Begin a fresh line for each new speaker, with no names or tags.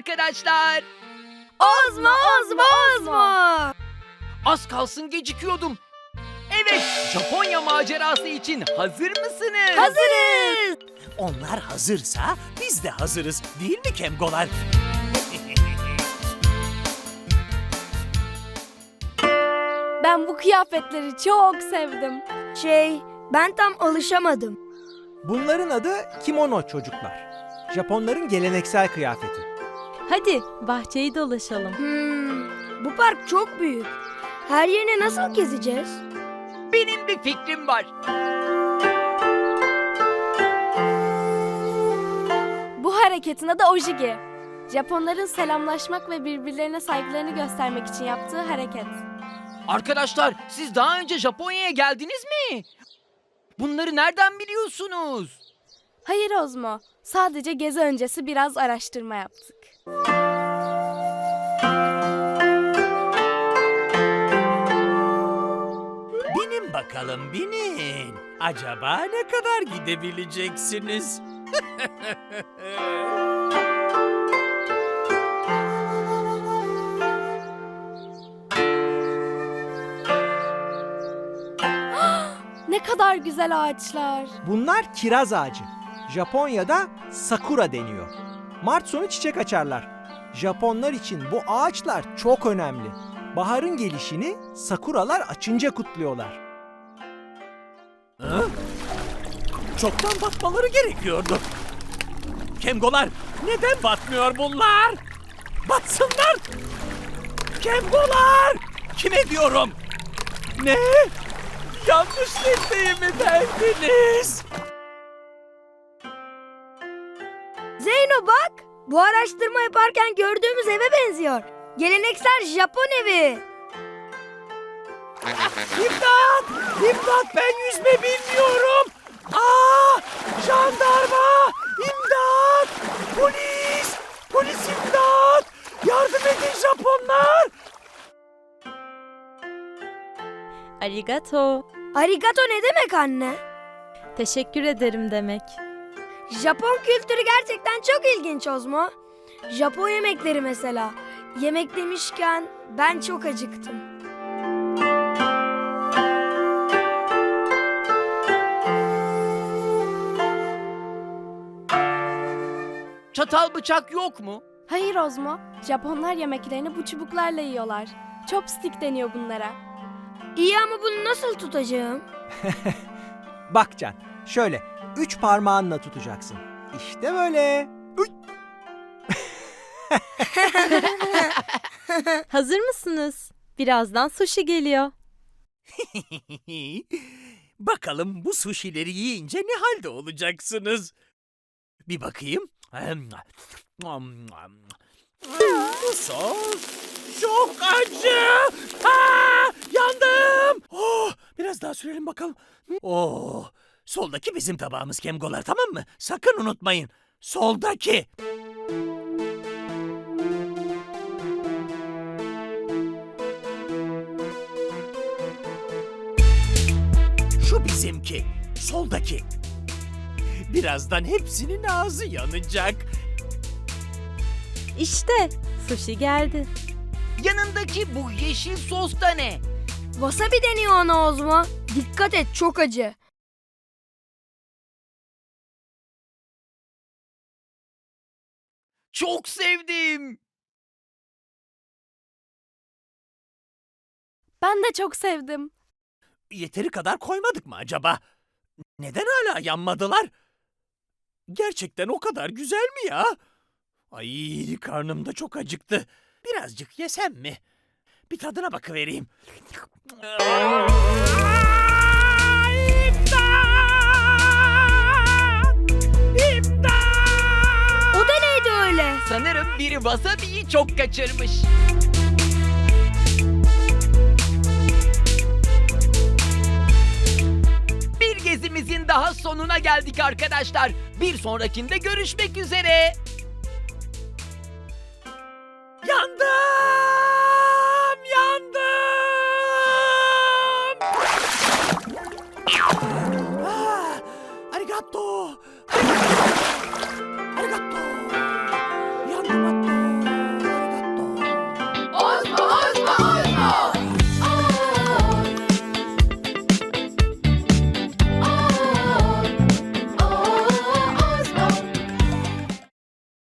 arkadaşlar.
Ozmo, Ozmo, Ozmo.
Az kalsın gecikiyordum. Evet, Japonya macerası için hazır mısınız?
Hazırız.
Onlar hazırsa biz de hazırız. Değil mi Kemgolar?
Ben bu kıyafetleri çok sevdim. Ben tam alışamadım.
Bunların adı kimono çocuklar. Japonların geleneksel kıyafeti.
Hadi bahçeyi dolaşalım.
Bu park çok büyük. Her yerini nasıl gezeceğiz?
Benim bir fikrim var.
Bu hareketin adı Ojigi. Japonların selamlaşmak ve birbirlerine saygılarını göstermek için yaptığı hareket.
Arkadaşlar, siz daha önce Japonya'ya geldiniz mi? Bunları nereden biliyorsunuz?
Hayır Ozmo, sadece gezi öncesi biraz araştırma yaptık.
Binin bakalım, binin. Acaba ne kadar gidebileceksiniz?
Ne kadar güzel ağaçlar.
Bunlar kiraz ağacı. Japonya'da sakura deniyor. Mart sonu çiçek açarlar. Japonlar için bu ağaçlar çok önemli. Baharın gelişini sakuralar açınca kutluyorlar.
Hı? Çoktan batmaları gerekiyordu. Kemgolar, neden batmıyor bunlar? Batsınlar! Kemgolar! Kime diyorum? Ne? Yanlış listeyi mi derdiniz?
Zeyno bak, bu araştırma yaparken gördüğümüz eve benziyor. Geleneksel Japon evi.
İmdat! İmdat, ben yüzme bilmiyorum! Aa! Jandarma! İmdat! Polis! Polis imdat! Yardım edin Japonlar!
Arigato.
Arigato ne demek anne?
Teşekkür ederim demek.
Japon kültürü gerçekten çok ilginç Ozmo. Japon yemekleri mesela. Yemek demişken ben çok acıktım.
Çatal bıçak yok mu?
Hayır Ozmo, Japonlar yemeklerini bu çubuklarla yiyorlar. Chopstick deniyor bunlara. İyi ama bunu nasıl tutacağım?
Bak Can, şöyle 3 parmağınla tutacaksın. İşte böyle. Uy!
Hazır mısınız? Birazdan sushi geliyor.
Bakalım bu suşileri yiyince ne halde olacaksınız? Bir bakayım. Bu sos çok acı. Aa, yandım. Oh, biraz daha sürelim bakalım. Oh, soldaki bizim tabağımız Kemgolar, tamam mı? Sakın unutmayın. Soldaki. Şu bizimki. Soldaki. Birazdan hepsinin ağzı yanacak.
İşte sushi geldi.
Yanındaki bu yeşil sos da ne?
Wasabi deniyor ona Ozmo. Dikkat et, çok acı.
Çok sevdim.
Ben de çok sevdim.
Yeteri kadar koymadık mı acaba? Neden hala yanmadılar? Gerçekten o kadar güzel mi ya? Ay, karnım da çok acıktı. Birazcık yesem mi? Bir tadına bakıvereyim. İmdat! İmdat!
O da neydi öyle?
Sanırım biri wasabi'yi çok kaçırmış. Bir gezimizin daha sonuna geldik arkadaşlar. Bir sonrakinde görüşmek üzere.
Yandım! Yandım! Ah, arigato! Arigato!